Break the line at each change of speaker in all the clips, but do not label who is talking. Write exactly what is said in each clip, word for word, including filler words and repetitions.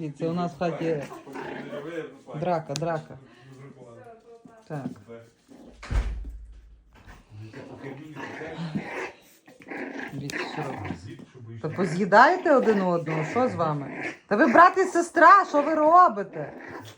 Дивіться, у нас в хаті драка, драка. Так. Дивіться, що робите. Та поз'їдаєте один одного, що з вами? Та ви брат і сестра, що ви робите?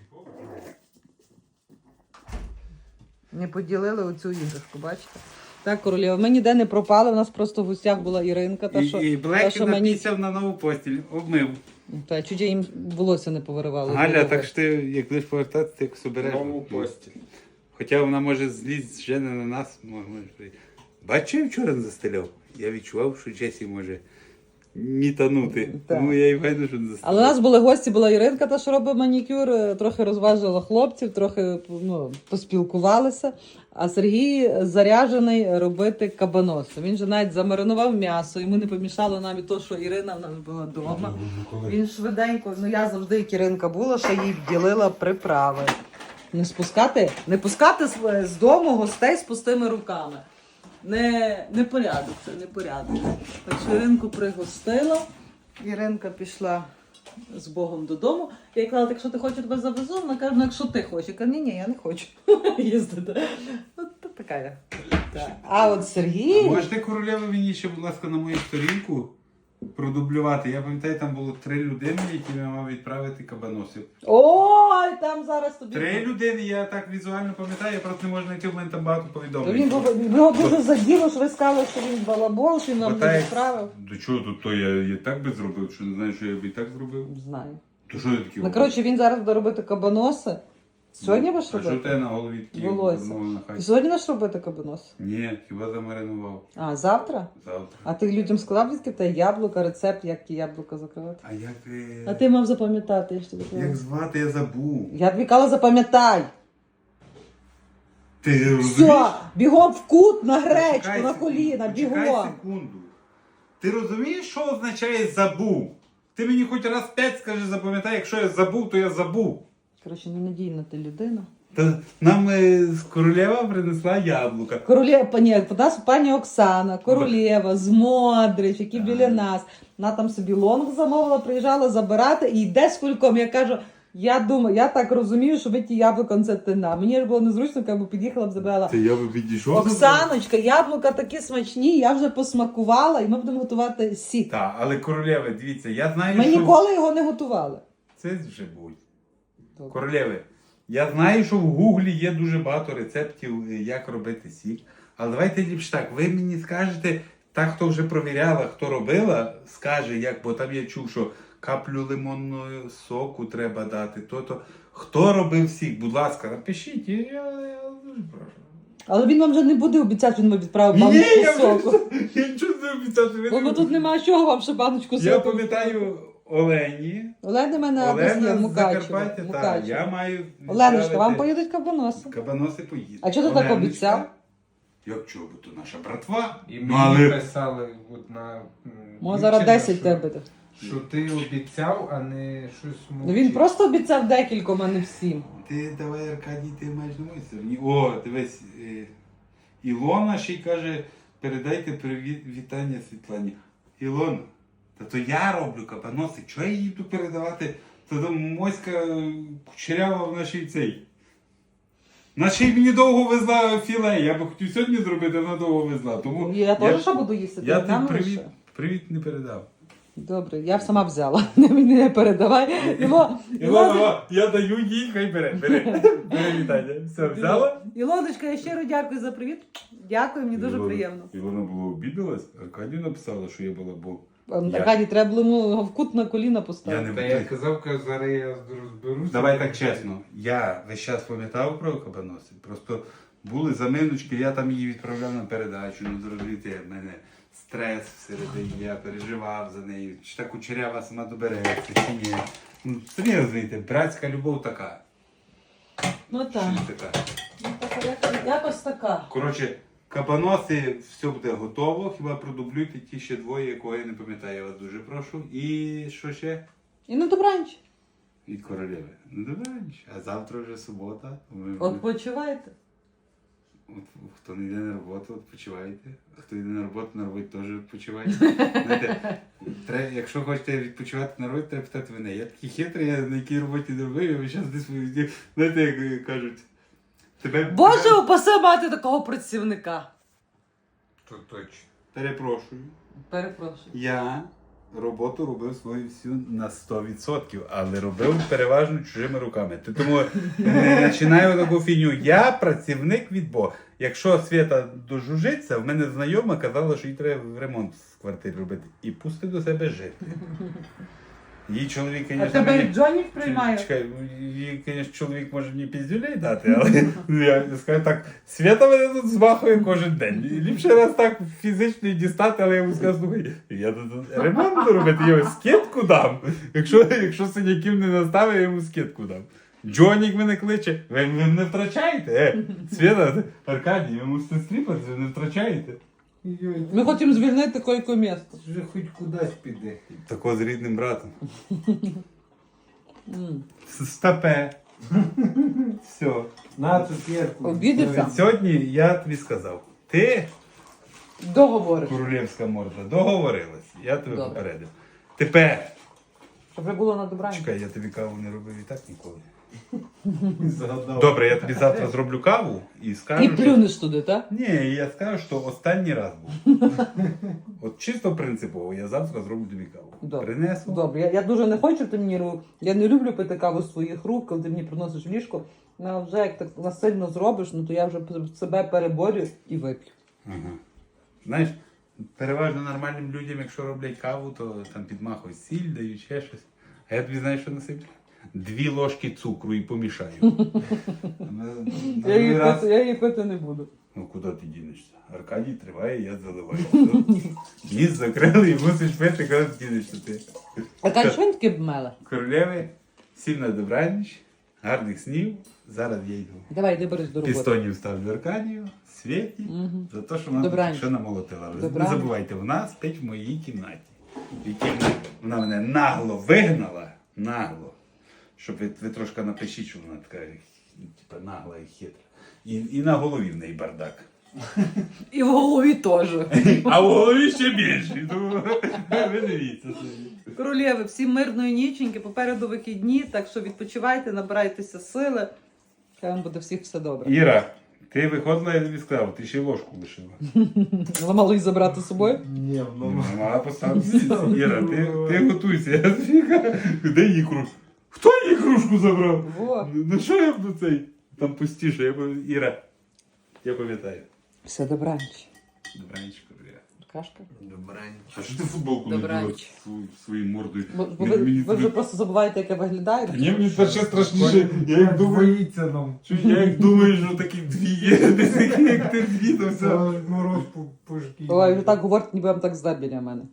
Не поділили оцю іграшку, бачите? Так, королева, ми ніде не пропали, у нас просто в гостях була Іринка. Та,
І,
що,
і
та,
Блекі
що мені...
напісяв на нову постіль, обмив.
Та, чуть я їм волосся не повиривало.
Галя, так що ти, як будеш повертатися, ти якось обереш.
Нову постіль.
Хоча вона може злізти вже не на нас. Може... Бачив, я вчора застеляв? Я відчував, що Джесі може мітанути.
Так.
Тому я і вийду, що не застеляв.
Але у нас були гості, була Іринка, та що робить манікюр, трохи розважила хлопців, трохи ну, поспілкувалися. А Сергій заряджений робити кабаноси. Він же навіть замаринував м'ясо, йому не помішало навіть то, що Ірина в нас була вдома. Він швиденько, ну я завжди, як Іринка була, що їй вділила приправи. Не спускати, не пускати з, з дому гостей з пустими руками. Не, не порядок, це не порядок. Так що Іринку пригостила, Іринка пішла з Богом додому. Я їй казала, якщо ти хочеш, тебе завезу. Вона каже, ну якщо ти хочеш. Я кажу, ні, ні, я не хочу їздити. От то така я. Так. А от Сергій...
А можете, королева, мені ще, будь ласка, на мою сторінку продублювати? Я пам'ятаю, там було три людини, які я мав відправити кабаносів.
Ой, там зараз тобі...
Три людини, я так візуально пам'ятаю, я просто не можу знайти, в мене там багато
То
повідомлень.
він був- його дуже заділо, що ви сказали, що він балабол, що він нам
Ота
не
як-
відправив.
До чого тут то я, я так би зробив, що не знаю, що я б і так зробив.
Не знаю.
То що ти таке?
Ну, коротше, він зараз буде робити кабаноси. Сьогодні будеш
А що
робити?
те на голові такі?
Волосся.
Ну, на
Ти
хаті?
сьогодні будеш робити кабаноси?
Ні, хіба замаринував.
А, завтра?
Завтра.
А ти людям сказав, звідки в тебе яблука, рецепт, як ті яблука закривати?
А як... е,
А ти мав запам'ятати, я ж тобі казала.
Як звати, я забув.
Я тобі казала, запам'ятай.
Ти розумієш?
Все, бігом в кут на гречку,
Почекай
на
секунду,
коліна,
почекай
бігом.
секунду. Ти розумієш, що означає забув? Ти мені хоч раз п'ять скажи, запам'ятай, якщо я забув, то я забув.
Коротше, ненадійна ти людина.
Та нам е, з королева принесла яблука.
Королева, пані, нас пані Оксана, королева, з Модрич, які біля нас. Вона там собі лонг замовила, приїжджала забирати і йде з кульком. Я кажу, я думаю, я так розумію, що ви ті яблука, це ти на. Мені ж було незручно, якби під'їхала б забрала.
Це я би підійшов.
Оксаночка, яблука такі смачні, я вже посмакувала і ми будемо готувати сік.
Так, але королеви, дивіться, я знаю,
Ми
що...
ніколи його не готували.
Це вже будь.
Добре.
Королеви, я знаю, що в Гуглі є дуже багато рецептів, е, як робити сік. Але давайте ліпше так, ви мені скажете, та, хто вже провіряла, хто робила, скаже, як, бо там я чув, що каплю лимонного соку треба дати, то-то. Хто робив сік, будь ласка, напишіть, я, я, я дуже прошу.
Але він вам вже не буде обіцяти, що він вам відправив
Ні,
баночку
я
соку.
вже- я нічого не обіцяв. що ви
Бо
не-
тут немає чого вам ще баночку соку.
Я пам'ятаю Олені.
Олена мене адрес є
Олена
в
з
Мукачево.
Закарпаття, так,
Мукачево.
я маю...
Оленочка,
відправити-
вам поїдуть кабаноси.
Кабаноси поїдуть.
А чого ти так
Оленочка,
обіцяв?
Як чого, бо то наша братва.
І
Ну,
мені
але
писали от на... м,
Може зараз
дівчина,
десять
що-
тебе.
Що ти обіцяв, а не щось
Ну
мовчиш.
він просто обіцяв декільком, а не всім.
ти давай, Аркадій, ти маєш на моїй стороні. О, дивись, е, Ілона ще й каже, передайте привіт, вітання Світлані. Ілона, та то я роблю кабаноси, чого я їй буду передавати? Та то моська е, кучерява в нашій цей. Наче й мені довго везла філе, я би хотів сьогодні зробити, вона довго везла. Тому
Я теж що буду їсти?
Я
Ти нам
тобі привіт,
лише?
привіт не передав.
Добре, я б сама взяла. Не мені не передавай. Іло,
Ілона, я даю їй, хай бере, бери. Бери вітання. Все, взяла?
Ілоночка, я щиро дякую за привіт. Дякую, мені дуже
Ілона-
приємно.
Ілона була обідалась, Аркадію написала, що я була, бо Я-
Аркадій, треба було йому в кут на коліна
я
поставити.
не
Та я казав, кажу, зараз я розберуся.
Давай так чесно, я весь час пам'ятав про кабаноси, просто були заминочки, я там її відправляв на передачу, ну зрозумієте, в мене стрес всередині, я переживав за нею, чи та кучерява сама добереться, чи ні. Ну, самі розумієте, братська любов така.
Ну
Чи
так.
не така?
Ну, така, як- якось така.
Коротше, кабаноси, все буде готово, хіба продублюйте ті ще двоє, якого я не пам'ятаю, я вас дуже прошу. І що ще?
І на добраніч.
Від королеви. Ну добре, а завтра вже субота. Ми...
Odpoczywajcie.
От, хто не йде на роботу, відпочивайте. А хто йде на роботу, на роботі теж відпочивайте. Знаєте, треба, якщо хочете відпочивати на роботі, треба питати мене. Я такий хитрий, я на якій роботі не робив, я весь час десь, знаєте, як кажуть, тебе...
Боже, упаси мати такого працівника.
То точно.
Перепрошую.
Перепрошую.
Я роботу робив свою всю на сто відсотків, але робив переважно чужими руками. Ти тому не починаю таку фігню. Я працівник від Бога. Якщо Свята дожужиться, в мене знайома казала, що їй треба ремонт в квартирі робити. І пусти до себе жити. Її чоловік,
А
звісно,
тебе
мені...
і Джонік приймає?
Чекай, їй, звісно, чоловік може мені піздюлей дати, але я скажу так, Свята мене тут змахує кожен день. І ліпше раз так фізично і дістати, але я йому скажу, слухай, я тут ремонт буду робити, я йому скидку дам. Якщо, якщо синяків не наставив, я йому скидку дам. Джонік мене кличе, ви, ви не втрачаєте. Е, Свята, Аркадій, ви мусите стріпати, ви не втрачаєте.
Йой,
Ми хочемо звільнити койко місто.
вже хоч кудись піде.
Тако з рідним братом.
М.
Стапе. Все.
На цукерку.
Обідався?
Сьогодні я тобі сказав, ти
Договориш.
королівська морда, договорилась. Я тебе
Добре.
попередив. Тепер,
Щоб вже було на добраніч.
чекай, я тобі каву не робив і так ніколи.
Згадав.
Добре, я тобі завтра зроблю каву і скажу.
І
що-
плюнеш туди, так?
Ні, я скажу, що останній раз був. От чисто принципово, я завтра зроблю тобі каву.
Добре.
Принесу.
Добре, я, я дуже не хочу, щоб ти мені ру- я не люблю пити каву з своїх рук, коли ти мені приносиш в ліжко. Ну, а вже як так насильно зробиш, ну то я вже себе переборю і вип'ю.
Ага. Знаєш, переважно нормальним людям, якщо роблять каву, то там підмахують сіль, дають ще щось. А я тобі знаєш, що насиплю? Дві ложки цукру і помішаю. На- на
Я
другий
її,
раз-
пити, я її пити не буду.
Ну куди ти дінешся? Аркадій триває, я заливаю. Ніс закрили і мусиш пити, коли ти дінешся ти.
А каже, що він таке бмеле?
Королеви, всім на добраніч, гарних снів. Зараз я йду.
Давай, ти береш до роботи.
Пістонів ставлю Аркадію, Світі,
Мгм.
за те, що вона
Добраніч.
що намолотила. Ви не
Добраніч.
забувайте, вона спить в моїй кімнаті. В якій вона- вона мене нагло вигнала, нагло. Щоб ви, ви трошки напишіть, що вона така типу, нагла і хитра. І, і на голові в неї бардак.
І в голові теж.
А в голові ще більше. Тому ви дивіться собі.
Королєви, всім мирної ніченьки, попереду вихідні, так що відпочивайте, набирайтеся сили. Хай вам буде всіх все добре.
Іра, ти виходила, я тобі сказав, ти ще й ложку лишила.
Ламало її забрати з собою?
Ні,
Ну,
воно.
мала поставити. Іра, ти, ти готуйся. Я тобі кажу, де її кружку? Хто її кружку забрав?
Во.
Ну що я буду цей? Там пустіше, я пам'ятаю. Іра, я пам'ятаю.
Все, добраніч.
Добраніч, Королева.
Кашка.
А що ти футболку не
Добраніч.
діла свою- своєю мордою?
Бо, бо
Мені-
ви,
мені
ви вже
тобі-
просто забуваєте, як я виглядаю.
Ні, мені це ще страшніше. Я як думаю,
Боїться нам.
що я як думаю, що такі дві є, десь такі, як ти дві, то все.
Це мороз по, по шкірі.
Ой, ви так говорите, ніби вам так зле біля мене.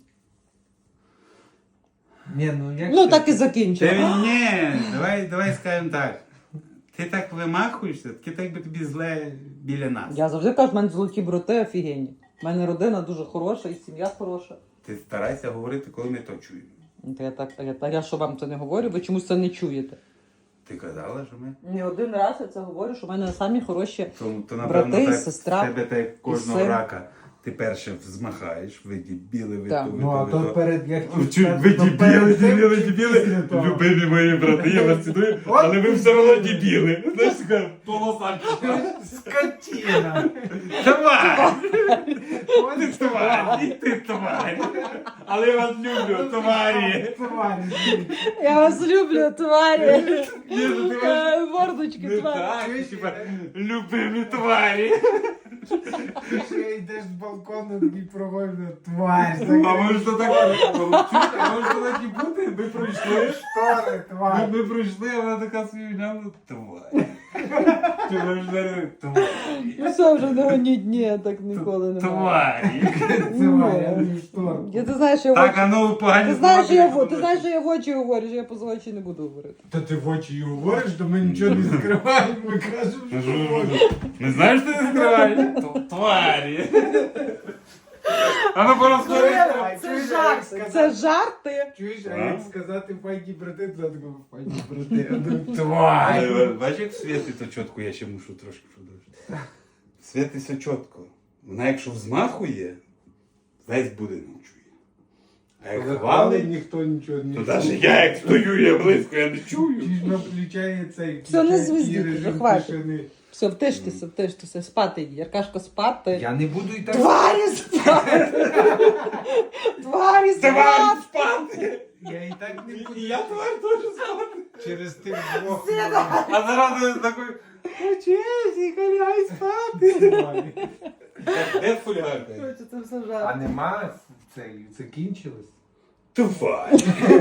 Ні, ну як
Ну
це?
так і
Ти,
закінчимо.
ні, давай, давай скажемо так. Ти так вимахуєшся, таке так би тобі зле біля нас.
Я завжди кажу, в мене золоті брати офігенні. У мене родина дуже хороша і сім'я хороша.
Ти старайся говорити, коли ми то чуємо.
Ну, то я так, а я, та я що вам це не говорю, ви чомусь це не чуєте.
Ти казала, що ми?
Не один раз я це говорю, що в мене самі хороші.
То, то
Брати,
напевно, так,
сестра
в тебе так як кожного
син.
рака. Ти перше взмахаєш, ви дібіли, ви
Так.
то, ви
Ну, а
то,
то
ви то.
перед як
Ну, чу- Ви дібіли, дібіли, дібіли, любимі мої брати, я вас ціную, але ви все одно дібіли. Знаєш, така полоса.
Скотина!
Тварь! Ти тварь, ти тварь. Але я вас люблю, тварі.
Тварі.
Я вас люблю, тварі.
Ні, ну ти
Е, Мордочки,
не
тварі.
так, типа, любимі тварі.
Ти ще йдеш з балкону і проводиш тварь.
А може то так получити, а може то так і бути, ми пройшли.
Штори,
Ми,
тварь.
ми пройшли, а вона така собі глянула, тварь. Чи ви вже тварі?
Ну все, вже не гоніть, ні, я так ніколи не маю.
Тварі.
Тварь, а не штор.
Я, ти знаєш, я в
Так,
очі...
а ну погані
Ти знаєш, що я, в-
слова
ти знаєш, що я в очі говорю, що я поза очі не буду говорити.
Та ти в очі її говориш, то ми нічого не скриваємо, ми кажемо,
Ну,
що
що,
можеш.
що, Не знаєш, що ти не скриваєш? Т- Тварі. А ну порозходи.
Це жарти, це жарти.
Чуєш, а
А?
як сказати файні брати, то такого файні брати. А ну, тварь.
Але бачиш, як в світі, то чітко я ще мушу трошки продовжити. світиться чітко. Вона якщо взмахує, весь будинок чує. А як
Коли
хвалить,
хвалить, ніхто нічого не
то
чує.
навіть я як стою, я близько, я не чую.
Чи ж на включає цей
Все, не
включає
звездіть,
такий режим
хватить.
тишини.
Все, втиштеся, втиштеся, спати йди. Яркашко спати.
Я не буду і так.
Тварі спати! Тварі
Давай
спати!
спати!
Я і так не буду.
І я тварь теж спати.
Через тих двох.
А зараз такий, Чесі, ляй спати. Де фулярка?
Короче, це все
А
жарт.
нема цей, закінчилось?
Тварь.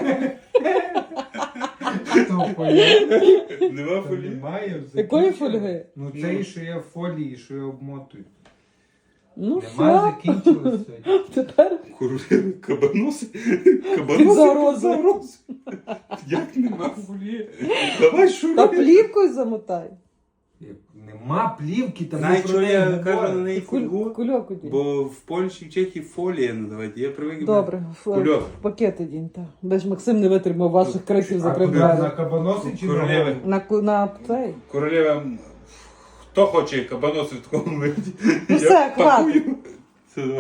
Хто фольги?
Нема
Та
фулі.
Немає.
Якої
закінчилось.
фольги?
Ну цей, що я в фолії, що я обмотую.
Ну
Нема,
все,
закінчилось сьогодні.
тепер
Королеви, кабаноси.
Під
Кабаноси
загрозою.
під загрозою. Як нема фулі? Давай
та
шуруй.
плівкою замотай.
Нема плівки, там
Знаєш, що я кажу на
говорю.
неї
Куль,
фольгу?
кульок одінь.
Бо в Польщі, в Чехії фолія надавати. Я привик.
Добре, в,
Кульок.
в пакет одінь, так. Де ж Максим не витримав ваших криків за
А куди,
двері.
на кабаноси чи на
Королеви.
голову?
На, ку- на цей.
Королева, хто хоче кабаноси в такому вигляді?
Ну
Я
все,
пакую.
хватить.
Все, давай.